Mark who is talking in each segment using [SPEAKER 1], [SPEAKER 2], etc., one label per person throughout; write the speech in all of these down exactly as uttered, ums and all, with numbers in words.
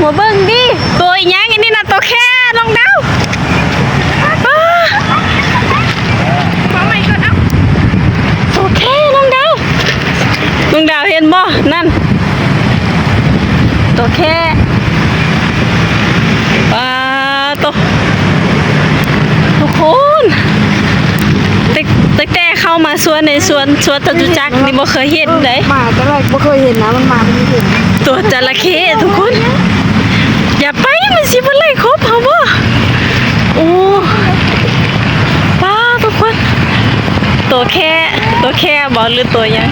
[SPEAKER 1] หัวเบิ่งดิตัวอีหยังอันนี้น่ะตัวแค่น้องดาวตัวแค่น้องดาวน้องดาวเห็นบ่นั่นตัวแค่ปลาตัวทุกคนตั้งแต่เข้ามาสวนในสวนสวนจตุจักรนี่บ่เคยเห็นเลย
[SPEAKER 2] มาแต่แรกบ่เคยเห็นนะมันมาไม่เห็น
[SPEAKER 1] ตัวจระเข้ทุกคนอย่าไปมันสิบ่ไล่ครบเฮาบ่โอ้ป้าทุกคนตัวแค่ตัวแค่บ่หรือตัวยัง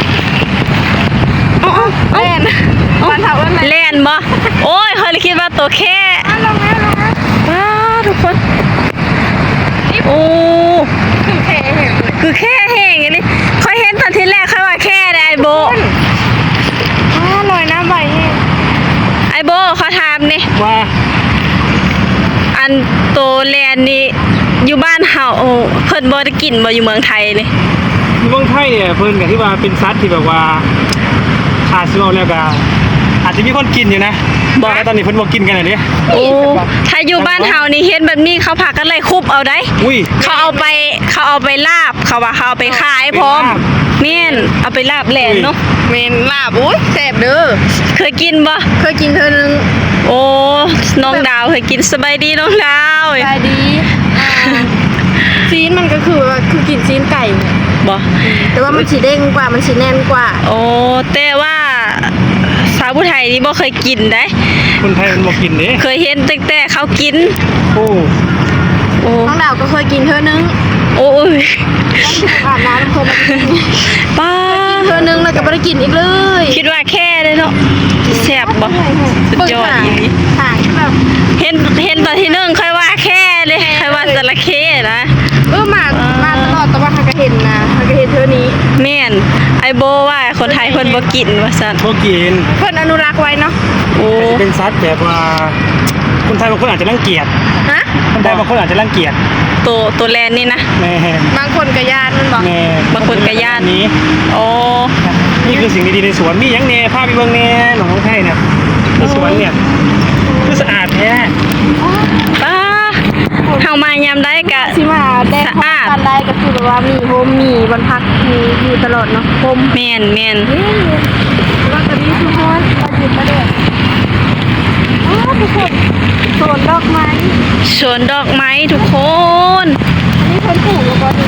[SPEAKER 1] อ๋อแล่นมันถามว่าแล่นบ่โอ้ยเฮาเลยคิดว่าตัวแค่ลงแล้วลงแล้วป้าทุกคนโอ้คือแค่แห้งคือแค่แห้งอย่างนี้ค่อยเห็นตอนที่แรกค่อยว่าแค่ได้โบอ๋อลอยน้ำใบแห้งไอโบเขาถามนี่ว่าอันโตแลนนี่อยู่บ้านเฮาเพิ่นบ่ได้กินบ่อยู่เมืองไทยนี่
[SPEAKER 3] อยู่เมืองไทยเนี่ยเพิ่นก็ที่ว่าเป็นสัตว์ที่แบบว่าขาดซื้อแล้วก็อาจจะมีคนกินอยู่นะบอกแล้วตอนนี้เพิ่นบ่กินกันเลยเด้
[SPEAKER 1] โอ้ถ้าอยู่บ้านเฮานี่เห็นแบบนี้เขาพากันไล่คุบเอาได้เขาเอาไปเขาเอาไปลาบเขาว่าเขาเอาไปขายพร้อมแม่นเอาไปลาบแหลนเนาะ
[SPEAKER 2] แม่นลาบอุ้ยแซ่บเด้อ
[SPEAKER 1] เคยกินบ่
[SPEAKER 2] เคยกินเธอนึง
[SPEAKER 1] โอ้น้องดาวเคยกินสบายดีน้องดาว
[SPEAKER 2] สบายดีซีนมันก็คือว่าคือกินซีนไก่
[SPEAKER 1] บ่
[SPEAKER 2] แต่ว่ามันสิเด้งกว่ามันสิแน่นกว่า
[SPEAKER 1] โอ้แต่ว่าสาวผู้ไทยนี่บ่เคยกินได้
[SPEAKER 3] คนไทยมันบ่กินเด้
[SPEAKER 1] เคยเห็นตั้งแต่เขากิน
[SPEAKER 3] โอ้
[SPEAKER 1] โอ้
[SPEAKER 2] น้องดาวก็เคยกินเธอนึง
[SPEAKER 1] โอ้ย
[SPEAKER 2] อาบน้ำเพิ่น
[SPEAKER 1] ป้า
[SPEAKER 2] เธอนึงแล้วก็บ่ได้กินอีกเลย
[SPEAKER 1] คิดว่าแค่เลยเนาะแซ่บบ่สุดยอดอีหลี
[SPEAKER 2] หางแบบ
[SPEAKER 1] เห็นเห็นตอนที่นึงค่อยว่าแค่เลยค่อยว่าจระเข้นะ
[SPEAKER 2] เออมามาตลอดแต่ว่าเฮาก็เห็นนะเฮาก็เห็นเธอนี้
[SPEAKER 1] แม่นไอโบว่าคนไทยเพิ่นบ่กินว่าซั่น
[SPEAKER 3] บ่กิน
[SPEAKER 2] เพิ่นอนุรักษ์ไว้เนาะ
[SPEAKER 1] โอ้
[SPEAKER 3] เป็นสัตว์แบบว่าคนไทยบางคนอาจจะรังเกียจ
[SPEAKER 2] ฮะ
[SPEAKER 3] คนไทยบางคนอาจจะรังเกียจ
[SPEAKER 1] ตัวตัวแลนนี่นะ
[SPEAKER 3] แม่
[SPEAKER 2] บางคนก็ย่านมันบ่
[SPEAKER 3] แม่
[SPEAKER 1] บางคนก็ย่าน
[SPEAKER 3] นี้
[SPEAKER 1] โอ้
[SPEAKER 3] นี่คือสิ่งดีๆในสวนมีหยังแน่พาไปเบิ่งแน่หนองไทยเนี่ยในสวนเนี่ยคือสะอาดแท้
[SPEAKER 1] ป้าเฮามายามได้ก็
[SPEAKER 2] สิมาได้สะอาดได้ก็คือแบบว่ามีโฮมมีบรรพักมีอยู่ตลอดเนาะโฮม
[SPEAKER 1] แม่นแม่น
[SPEAKER 2] ว่าตอนนี้คือฮอดก็หยุดประเดี๋ยวอ๋อทุกคนสวนดอกไม้
[SPEAKER 1] สวนดอกไม้ทุกคน
[SPEAKER 2] อันนี้เพิ่นปลูกแล้วบ่ดิ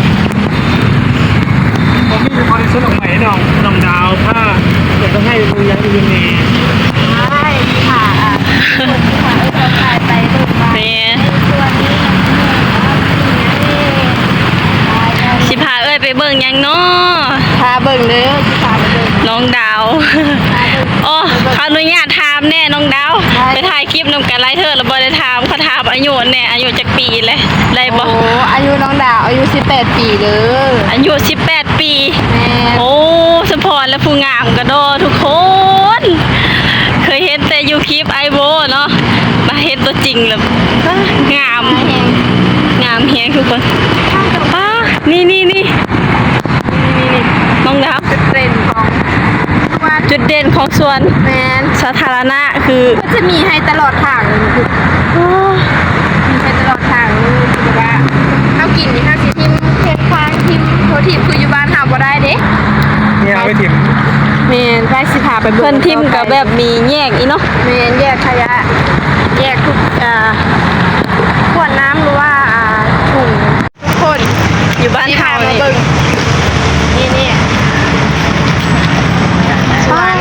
[SPEAKER 3] ผมมีอยู่พอได้สวนดอกไม้น้องน้องดาวถ้าอยากต้องให้ดูยังอื่นแน่
[SPEAKER 2] ใช่ค่ะคนที่มาเอ้ยเราถ่ายไปเบิ่งมาตัวนี้
[SPEAKER 1] สิพาเอ้ยไปเบิ่งยังเนาะ
[SPEAKER 2] พาเบิ่งเด้อสิพาไปเบิ่ง
[SPEAKER 1] น้องดาวโอ้เขาอนุญาตถามแน่น้องดาวไปถ่ายคลิปนำกันไลฟ์เธอแล้วบ่ได้ถามเขาถามอายุแน่อายุจักปีเลยได้บ่
[SPEAKER 2] โอ้อายุน้องดาวอายุสิบแปดปีเด้อ
[SPEAKER 1] อายุสิบแปดปี
[SPEAKER 2] แม่
[SPEAKER 1] โอ้สมพรและผู้งามกระโดดทุกคน เคยเห็นแต่ยูคลิปไอโบเนาะมาเห็นตัวจริงแล้วงามงามเฮียทุกคนป้านี่นี่นี่นี่น้องดาว
[SPEAKER 2] จุดเด่นของ
[SPEAKER 1] จุดเด่นของสวน
[SPEAKER 2] แมน
[SPEAKER 1] สาธารณะคือ
[SPEAKER 2] ก็จะมีให้ตลอดทางเลยคือมีให้ตลอดทางคือว่าข้าวกินนี่ข้าวสีทิมเทปควางทิมโททิมคืออยู่บ้านหาบ่ได้เด้
[SPEAKER 3] เนี่ยเอาไปทิม
[SPEAKER 2] แมนได้สิพาไป
[SPEAKER 1] เพิ่นทิมกับแบบมีแยกอีเนาะ
[SPEAKER 2] แมนแยกขยะแยกทุกอ่าขวดน้ำหรือว่าอ่าถุงทุกคน
[SPEAKER 1] อยู่บ้านเฮา
[SPEAKER 2] นี่นี่ช้อน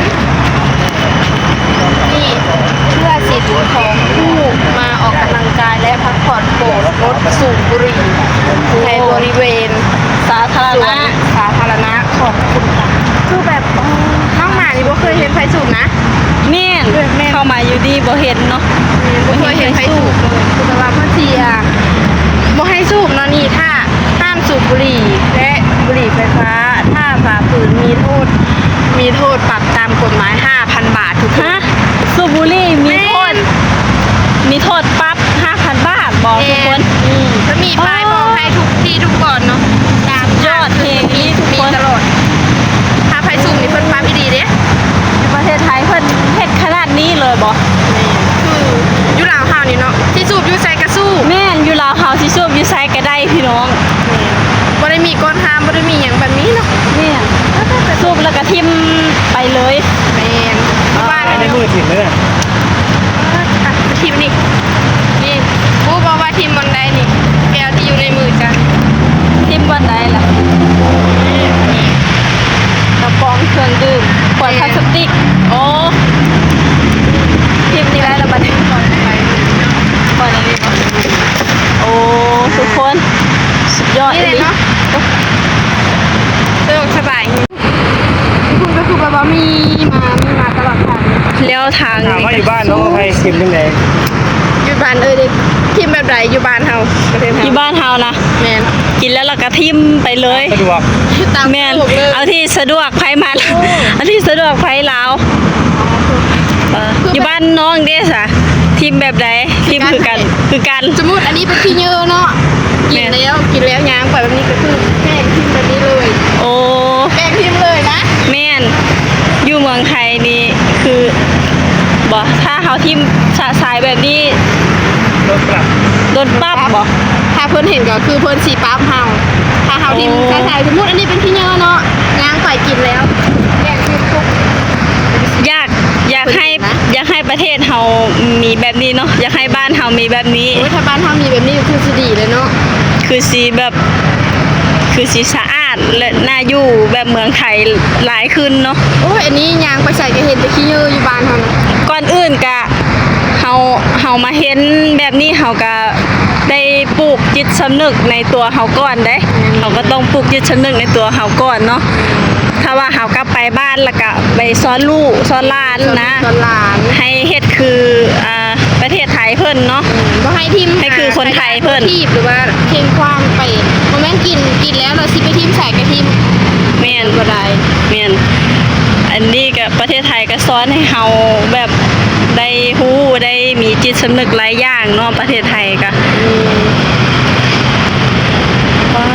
[SPEAKER 2] นี่เพื่อสิทธิ์ของผู้มาออกกำลังกายและพักผ่อนโปรดงดสูบบุหรี่ในบริเวณ
[SPEAKER 1] สาธารณะ
[SPEAKER 2] สาธารณะของคุณคือแบบน้องหมานี่บ่เคยเห็นไฟสูบนะ
[SPEAKER 1] แม่นเข้ามาอยู่ดีบ่เห็นเนาะ
[SPEAKER 2] บ่เคยเห็นไฟสูบเลยคือว่าเพิ่นสิอ่ะบ่ให้สูบเนาะนี่ถ้าห้ามสูบบุหรี่และบุหรี่ไฟฟ้าถ้าฝ่าฝืนมีโทษมีโทษปรับตามกฎหมาย ห้าพัน บาททุกคน
[SPEAKER 1] สูบบุหรี่มีโทษมีโทษปรับ ห้าพัน บาทบอกทุกคน
[SPEAKER 2] จะมีป้ายบอกให้ทุกที่ทุกก่อนเนาะตาม
[SPEAKER 1] ยอดเพลงนี้ทุกคน
[SPEAKER 2] ตลอดถ้าไฟสูงนี่เพิ่นปรับดีเด้
[SPEAKER 1] ในประเทศไทยเพิ่นเฮ็ดขนาดนี้เลยบ่
[SPEAKER 2] มีก้อนหามบ่ได้มีหยังแบบนี้เนาะ
[SPEAKER 1] เนี่ยสูบแล้วก็ทิมไปเลย
[SPEAKER 2] แม่นบ้าน
[SPEAKER 3] ในมือถิ่นเลยน่ะ
[SPEAKER 2] อ่ะทีมนี่นี่ผู้บอกว่าทีมบอลใดนี่แก้วที่อยู่ในมือจ้ะ
[SPEAKER 1] ทิมวันใดล่ะกระป๋องเครื่องดื่มขวดพลาสติกโอ้ทิมนี่ได้แล้วบัดนี้
[SPEAKER 2] ก่อนไป
[SPEAKER 1] ก่อนอันนี้ก่อนโอ้ทุกคนสุดยอด
[SPEAKER 2] นี่เลยเนาะสะดวกสบายคุณก็คือแบบว่ามีมามีมาตลอดทาง
[SPEAKER 1] เลี้ยวทาง
[SPEAKER 3] ถามว่าอยู่บ้านน้องใครเข็มจังได
[SPEAKER 2] อยู่บ้านเอ้ยเด็กทีมแบบไหนอยู่บ้านเฮาประเทศเฮา
[SPEAKER 1] ที่บ้านเฮานะ
[SPEAKER 2] แม่น
[SPEAKER 1] กินแล้วเราก็ทิมไปเลย
[SPEAKER 3] สะดวก
[SPEAKER 2] ตาม
[SPEAKER 1] แม่น
[SPEAKER 2] ถูกเลย
[SPEAKER 1] เอาที่สะดวกไผมันเอาที่สะดวกไผลาวเอออยู่บ้านน้องเด้สะทีมแบบใดทีมคือกันคือกัน
[SPEAKER 2] สมมุติอันนี้เป็นขี้เหยอะเนาะกินแล้วกินแล้วยางไปแบบนี้ก็คือแม่งทีมแบบนี้เลย
[SPEAKER 1] โอ้
[SPEAKER 2] แม่งทีมเลยนะ
[SPEAKER 1] แม่นอยู่เมืองไทยนี่คือบ่ถ้าเฮาทีมสะสายแบบนี้
[SPEAKER 3] รถปรับ
[SPEAKER 1] โดนปรับบ่
[SPEAKER 2] ถ้าเพิ่นเห็นก็คือเพิ่นสีปั๊บเฮาถ้าเฮาดิม
[SPEAKER 1] โอ้
[SPEAKER 2] ใส่สมมุติอันนี้เป็นขี้เหยอะเนาะยางไปกินแล้วแม่งทีมทุก
[SPEAKER 1] อยากอยากให้
[SPEAKER 2] คนอื่นนะ
[SPEAKER 1] อยากให้ประเทศเฮามีแบบนี้เนาะอยากให้บ้านเฮามีแบบนี้
[SPEAKER 2] โอ้ยถ้าบ้านเฮามีแบบนี้ก็คือสิดีเลยเนาะ
[SPEAKER 1] คือสีแบบคือสีสะอาดและน่าอยู่แบบเมืองไทยหลายขึ้นเนาะ
[SPEAKER 2] โอ้ยอันนี้ยางไปใส่ก็เห็นแต่ขี้เหยอะอยู่บ้านเฮานะ
[SPEAKER 1] ก่อนอื่นกะเฮาเฮามาเห็นแบบนี้เฮาก็ได้ปลูกจิตสำนึกในตัวเฮาก่อนเด้เฮาก็ต้องปลูกจิตสำนึกในตัวเฮาก่อนเนาะถ้าว่าเฮากลับไปบ้านแล้วก็ไปสอนลูกสอนหลานนะ
[SPEAKER 2] ตอนหลาน
[SPEAKER 1] ให้เฮ็ดคืออ่าประเทศไทยเพิ่นเนาะ
[SPEAKER 2] บ่ให้ทิม
[SPEAKER 1] ให้คือคนไทยเพิ่น
[SPEAKER 2] ทีบหรือว่าเทงความไปบ่แม่นกินกินแล้วเราสิไปทิมใส่กระทิม
[SPEAKER 1] แม่น
[SPEAKER 2] บ่ได้
[SPEAKER 1] แม่นอันนี้ก็ประเทศไทยก็สอนให้เฮาแบบได้ฮู้ได้มีจิตสำนึกหลายอย่างเนาะประเทศไทยก็
[SPEAKER 2] อืม
[SPEAKER 1] ว้า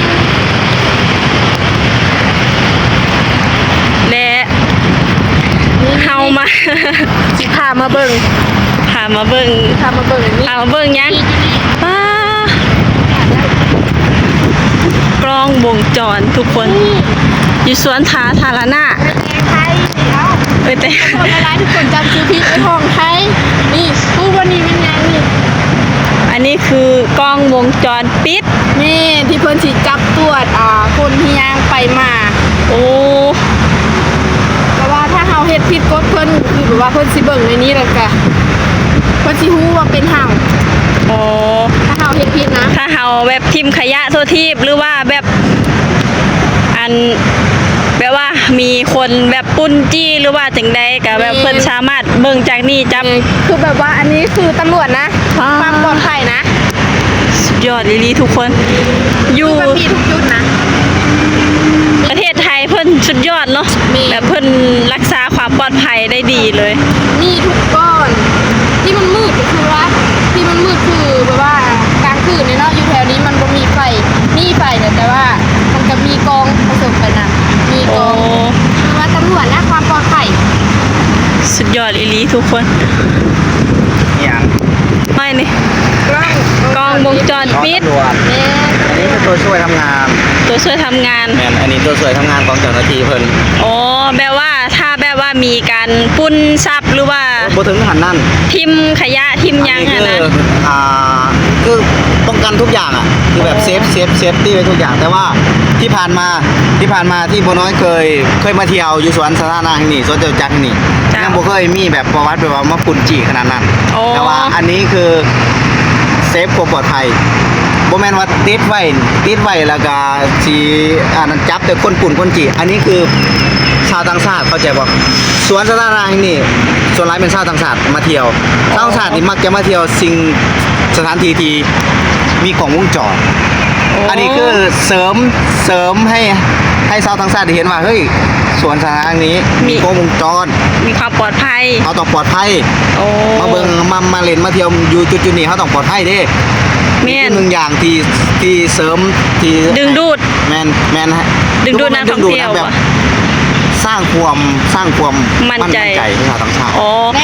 [SPEAKER 1] และเฮามา
[SPEAKER 2] สิพามาเบิ่ง
[SPEAKER 1] พามาเบิ่ง
[SPEAKER 2] พามาเบิ่งนี่
[SPEAKER 1] พามาเบิ่งหยังว้ากล้องวงจรทุกคนอยู่สวนสาธารณะ
[SPEAKER 2] แกงไทยนี่เอ้า
[SPEAKER 1] เอ้ยแต่
[SPEAKER 2] คนละลายทุกคนจำชื่อพี่ไอ้ห้องไทยนี่ผู้วันนี้เป็นยังนี่
[SPEAKER 1] อันนี้คือกล้องวงจรปิด
[SPEAKER 2] นี่ที่เพิ่นสิจับตรวจอ่าคนที่ย่างไปมา
[SPEAKER 1] โอ้
[SPEAKER 2] แต่ว่าถ้าเฮาเฮ็ดผิดกฎเพิ่นคือแบบว่าเพิ่นสิเบิ่งในนี้แล้วก็เพิ่นสิฮู้ว่าเป็นเฮา
[SPEAKER 1] โอ้
[SPEAKER 2] ถ้าเฮาเฮ็ดผิดนะ
[SPEAKER 1] ถ้าเฮาแบบทิมขยะโทษทีบหรือว่าแบบอันแบบว่ามีคนแบบปุ้นจี้หรือว่าจังใดก็แบบเพิ่นสามารถเบิ่งจากนี่จับ
[SPEAKER 2] คือแบบว่าอันนี้คือตำรวจนะ
[SPEAKER 1] อ่า
[SPEAKER 2] ความปลอดภัยนะ
[SPEAKER 1] สุดยอดอีหลีทุกคน อยู่
[SPEAKER 2] มันมีทุกจุดนะ
[SPEAKER 1] ประเทศไทยเพิ่นสุดยอดเนาะ
[SPEAKER 2] มี
[SPEAKER 1] แบบเพิ่นรักษาความปลอดภัยได้ดีเลย
[SPEAKER 2] นี่ทุกก้อน ที่มันมืดก็คือว่าที่มันมืดคือแบบว่ากลางคืนเนี่ยเนาะอยู่แถวนี้มันบ่มีไฟนี่ไฟเนี่ยแต่ว่ามันก็มีกองผสมกันนะมีก
[SPEAKER 1] โอ้
[SPEAKER 2] องคือว่าตำรวจนะความปลอดภัย
[SPEAKER 1] สุดยอดอีหลีทุกคน
[SPEAKER 4] อย่าง
[SPEAKER 1] ไม่นี่
[SPEAKER 2] กล้อง
[SPEAKER 1] กล้องวงจร
[SPEAKER 4] น้อง
[SPEAKER 1] ปิด
[SPEAKER 4] ตำรวจ
[SPEAKER 2] เนี่ย
[SPEAKER 4] อันนี้คือตัวช่วยทำงาน
[SPEAKER 1] ตัวช่วยทำงาน
[SPEAKER 4] แมนอันนี้ตัวช่วยทำงานของเจ้าหน้าที่เพิ่น
[SPEAKER 1] อ๋อแบบว่าถ้าแบบว่ามีการปุ้นทรัพย์หรือว่า
[SPEAKER 4] บ่ถึงหันนั่น
[SPEAKER 1] ทิมขยะทิมหยัง
[SPEAKER 4] อั
[SPEAKER 1] อะ
[SPEAKER 4] นนี้
[SPEAKER 1] นะ
[SPEAKER 4] คืออ่าคือป้องกันทุกอย่างอ่ะคือแบบเซฟเซฟเซฟตี้ไว้ทุกอย่าง แต่ว่าที่ผ่านมาที่ผ่านมาที่โบน้อยเคยเคยมาเที่ยวอยู่สวนสาธารณะแห่งนี้สวนจตุจักรแห่งนี้
[SPEAKER 1] จ้ะ
[SPEAKER 4] ยังบ่เคยมีแบบประวัติแบบว่ามาปุ่นจีขนาดนั้น
[SPEAKER 1] โอ้
[SPEAKER 4] แต่ว่าอันนี้คือเซฟความปลอดภัยบ่แม่นว่าติดไว้ติดไว้แล้วก็สิอันนั้นจับแต่คนปุ่นคนจีอันนี้คือชาวต่างชาติเข้าใจบ่สวนสาธารณะแห่งนี้ส่วนหลายเป็นชาวต่างชาติมาเที่ยวชาวต่างชาตินี่มักจะมาเที่ยวสิ่งสถานที่ที่มีกล้องวงจร อันนี้คือเสริมเสริมให้ให้ชาวต่างชาติได้เห็นว่าเฮ้ยสวนสาธารณะแห่งนี้มีกล้องวงจร
[SPEAKER 1] มีความปลอดภัย
[SPEAKER 4] เขาต้องปลอดภัย
[SPEAKER 1] โอ้
[SPEAKER 4] มาเบิ่งมามาเล่นมาเที่ยวอยู่จุดๆนี้เขาต้องปลอดภัยเด้
[SPEAKER 1] แม่น
[SPEAKER 4] หนึ่งอย่างที่ที่เสริมที่
[SPEAKER 1] ดึงดูด
[SPEAKER 4] แมนแมนฮะ
[SPEAKER 1] ดึงดูดนักท่องเที่ยว
[SPEAKER 4] ดึงดูดนะแบบ
[SPEAKER 1] อะ
[SPEAKER 4] สร้างความสร้างความ
[SPEAKER 1] มั่นใจ
[SPEAKER 4] ให้ชาวต่างชาติ
[SPEAKER 1] อ๋อแม่น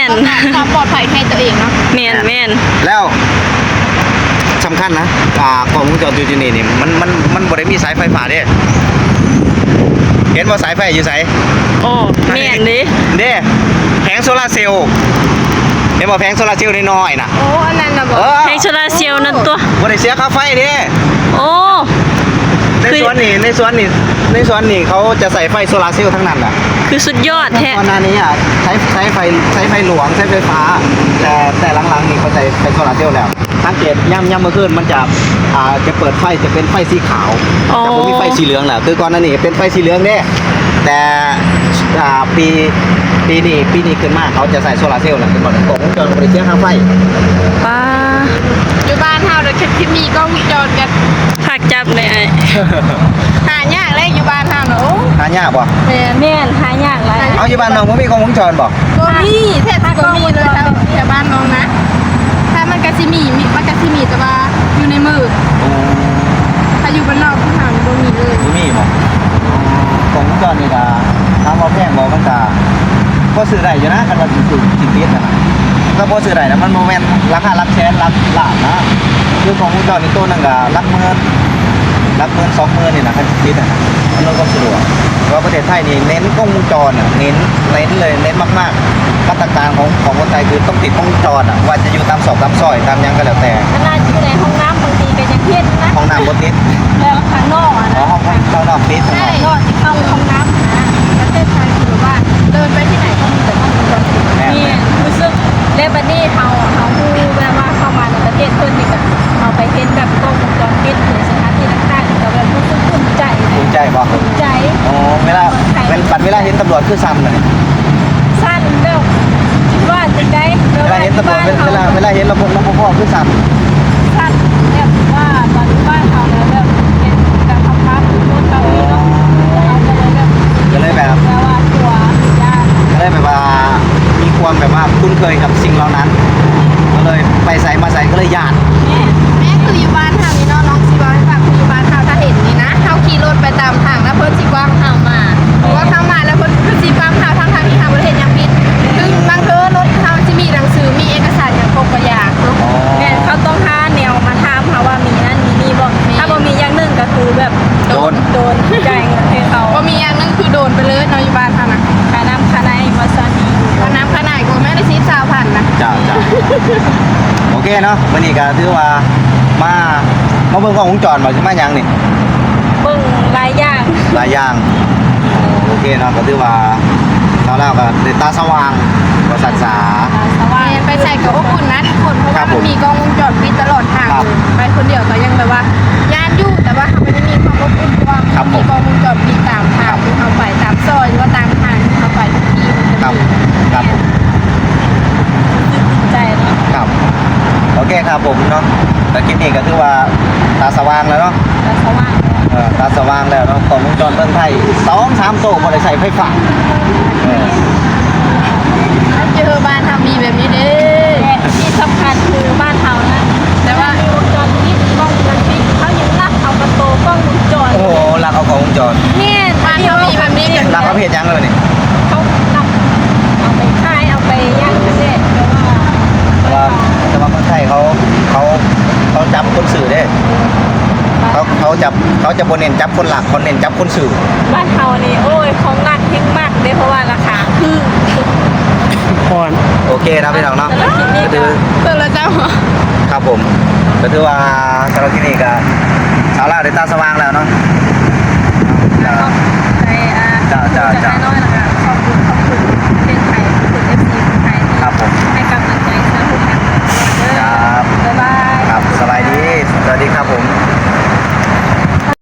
[SPEAKER 1] น
[SPEAKER 2] ความปลอดภัยให้ตัวเองเนาะ
[SPEAKER 1] แม่นแม่น
[SPEAKER 4] แล้วสำคัญนะอ่ากล้องวงจรอยู่ที่นี่นี่มันมันมันบ่ได้มีสายไฟฟ้าเด้เห็นบ่สายไฟอยู่ไส
[SPEAKER 1] โอ้แม่นดิ
[SPEAKER 4] เด้แผงโซลาร์เซลล์เห็นบ่แผงโซลาร์เซลล์น้อยๆน่ะ
[SPEAKER 2] โอ้อันนั้นนะบอก
[SPEAKER 4] เออ
[SPEAKER 1] ให้โซลาร์เซลล์นั่นตัว
[SPEAKER 4] บ่ได้เสียค่าไฟเด้
[SPEAKER 1] โอ้
[SPEAKER 4] ในสวนนี่ในสวนนี่ในสวนนี่เขาจะใส่ไฟโซลาร์เซลล์ทั้งนั้นอ่ะ
[SPEAKER 1] คือสุดยอดแท้
[SPEAKER 4] ก่อนหน้านี้อ่ะใช้ใช้ไฟใช้ไฟหลวงใช้ไฟฟ้า แต่แต่หลังๆนี่เขาใช้ไฟโซลาร์เซลล์แล้วสังเกตย่ำย่ำเมื่อคืนมันจะอ่าจะเปิดไฟจะเป็นไฟสีขาว
[SPEAKER 1] อ๋อ
[SPEAKER 4] จะไม่มีไฟสีเหลืองแล้วคือก่อนหน้านี้เป็นไฟสีเหลืองเด้แต่อ่าปีปีนี้ปีนี้ขึ้นมาเขาจะใส่โซลาร์เซลล์แล้วขึ้นมากล่องวงจรบริเสียค่าไฟ
[SPEAKER 1] ป้า
[SPEAKER 2] อยู่บ้านเฮาเดี๋ยวคิดมีกล้องวงจรกัน
[SPEAKER 1] ผักจับเลยไอ้
[SPEAKER 2] หายากเลยอยู่บ้านเฮาเนาะโอ้
[SPEAKER 4] หายากบ่
[SPEAKER 2] แม่น
[SPEAKER 1] แม่นหายากหลาย
[SPEAKER 4] เอาอยู่บ้านน้องบ่มีกล้องวงจรบ่
[SPEAKER 2] บ่มีแท้ๆบ่มีเลยแถวแถวบ้านน้องนะ ถ้ามันก็สิมีมีมันก็สิมีแต่ว่าอยู่ในมือถ้าอยู่บ้านนอกผู้หาบ่มีเลย
[SPEAKER 4] บ่มีบ่กล้องวงจรนี่ก็ถามว่าแพงบ่มันก็ก็ซื้อได้อยู่นะคันว่าสิซื้อสิติดน่ะนะก็บ่ซื้อได้นะมันบ่แม่นราคาหลักแสนหลักล้านนะคือกล้องวงจรนี่ตัวหนึงก็หลักหมื่นหลักหมื่นสองหมื่นนี่นะคันสิติดน่ะนะมันก็บ่สะดวกเพราะว่าประเทศไทยนี่เน้นกล้องวงจรอ่ะเน้นเน้นเลยเน้นมากๆมาตรการของของคนไทยคือต้องติดกล้องวงจรอ่ะว่าจะอยู่ตามซอกตามซอยตามหยังก็แล้วแต่
[SPEAKER 1] ขนาดอยู่ในห้องน้ำบางทีก็ยังเฮ็ดนะ
[SPEAKER 4] ห้องน้ำบ่ติด
[SPEAKER 1] แล้วข้างนอกอ่ะ
[SPEAKER 4] อ๋อ
[SPEAKER 1] นะ
[SPEAKER 4] ห้องข้างนอกติดข้างนอก
[SPEAKER 1] นอกที่เข้าห้องน้ำนะ
[SPEAKER 2] ประเทศไทยคือแบบว่าเดินไปที่ไหนก็มีแต่กล้องวงจรปิด
[SPEAKER 4] แม่
[SPEAKER 1] นี่รู้สึกเลบันนี่เฮาเฮาฮู้แบบว่าเข้ามาในประเทศเพิ่นนี่ก็เอาไปเห็นแบบกล้องวงจรปิดหรือสถานที่ต่างๆก็แบบรู้สึกภูมิใจ
[SPEAKER 4] ภูมิใจบ่
[SPEAKER 1] ภูมิใจ
[SPEAKER 4] อ๋อเวลาเป็นปัดเวลาเห็นตำรวจคือซ้ำเลย
[SPEAKER 1] สั้นแบบคิดว่าจะได้
[SPEAKER 4] เวลาเห็นตำรวจเวลาเวลาเวลาเห็นระบบรปภคือซ้
[SPEAKER 1] สั้นแบบว่าตอนบ้านเฮาแล้วแบบเป็นการทำภาพรถเขาเนาะเราก็เลยแบบ
[SPEAKER 4] ำก็เลยแบบ
[SPEAKER 1] แปลว่าตัวญาติ
[SPEAKER 4] ก็เลยแบบว่ามีความแบบว่าคุ้นเคยกับสิ่งเหล่านั้น ก็เลยไปใส่มาใส่ก็เลยญาติ
[SPEAKER 1] แม่
[SPEAKER 2] แม่คืออยู่บ้านเฮานี่เนาะน้องสิบอกให้ฟังคืออยู่บ้านเฮาถ้าเห็นนี่นะเฮาขี่รถไปตามทางแล้วเพิ่นสิกว้างเฮามาเพราะว่าเข้ามาแล้วเพิ่นคือสิกว้างเฮาทั้งทางที่เฮาบ่ได้เฮ็ดหยังผิดซึ่งบางเทื่อรถเฮาสิมีหนังสือมีเอกสารหยังครบกว่าอย่างเนาะ
[SPEAKER 1] แม่เขาต้องหาแนวมาถามเขาว่ามีนั่นมีนี่บ่ถ้าบ่มีอย่างหนึงก็คือแบบ
[SPEAKER 4] โดน
[SPEAKER 1] โดนจ่ายเงินให้เขา
[SPEAKER 2] บ่มีอย่างหนึงคือโดนไปเลยเนาะอยู่บ้านเฮานะ
[SPEAKER 1] ค่าน้ำค่าในวาซาบิ
[SPEAKER 2] ว่าน้ำขนาดก็แม่ได้สิบสามพันนะ
[SPEAKER 4] จ้าจ้าโอเคเนาะวันนี้ก็ถือว่ามามาเบิ่งกล้องวงจรบ่ใช่มาหยังนี่
[SPEAKER 1] เบิ่งหลายอย่าง
[SPEAKER 4] หลายอย่างโอเคเนาะก็ถือว่าชาวลาวก็ได้ตาสว่างก็ศึกษา
[SPEAKER 1] สว่าง
[SPEAKER 2] ไปใส่กับอบอุ่นนะทุกคนเพราะ
[SPEAKER 4] ครั
[SPEAKER 2] ว่า
[SPEAKER 4] บผม
[SPEAKER 2] มันมีกล้องวงจรปิดตลอดทาง
[SPEAKER 4] ครับ
[SPEAKER 2] เลยไปคนเดียวก็ยังแบบว่าย่านอยู่แต่ว่ามันไม่มีความอบอุ่นเพราะว่า
[SPEAKER 4] ครับ
[SPEAKER 2] มันมีกล้องวงจรปิดตามทางที่เขาไปตามซอยหรือว่าตามทางที่เขาไปทุกที่มันจะ
[SPEAKER 4] ครับ
[SPEAKER 2] มี
[SPEAKER 4] ครับผม
[SPEAKER 1] ใจเนาะ
[SPEAKER 4] ครับโอเคครับผมเนาะแต่คลิปนี้ก็ถือว่าตาสว่างแล้วเนาะ
[SPEAKER 1] แต่สว่าง
[SPEAKER 4] เออตาสว่างแล้วเนาะกล้องวงจรเมืองไทยสองสามโต๊ะบ่ได้ใช้ไฟฟ้าเออ
[SPEAKER 2] เจอบ้านทำมีแบบนี้เด้
[SPEAKER 1] และที่สำคัญคือบ้านเฮานะ
[SPEAKER 2] แต่ว่า
[SPEAKER 1] มีวงจรปิดกล้องวงจรปิดเขายังรักเอากระโตกล้องวงจร
[SPEAKER 4] โอ้โหรักเอากล้องวงจร
[SPEAKER 1] เนี่ย
[SPEAKER 2] บ้านเขามีแบบนี้กัน
[SPEAKER 4] รักเอาเพจยังเลยนี่
[SPEAKER 1] เขานำเอาไปขายเอาไปย่างกันเด้เพราะว่า
[SPEAKER 4] แต่ว่าแต่ว่าเมืองไทยเขาเขาเขาจับคนสื่อเด้เขาเขาจับเขาจะบนเน้นจับคนหลักคนเน้นจับคนสื่อ
[SPEAKER 1] บ้านเฮานี่โอ้ยของหนักเฮงมากเด้เพราะว่าราคาคือ
[SPEAKER 3] พร
[SPEAKER 4] โอเคนะพี่น้องเนาะ
[SPEAKER 1] แต่ละคลิปนี้
[SPEAKER 4] ก็
[SPEAKER 1] ก็
[SPEAKER 4] ถือ
[SPEAKER 2] เตือนแล้วเจ้า
[SPEAKER 4] ครับผมก็ถือว่าสำหรับที่นี่ก็ชาวลาวได้ตาสว่างแล้วเนาะ
[SPEAKER 1] ขอบ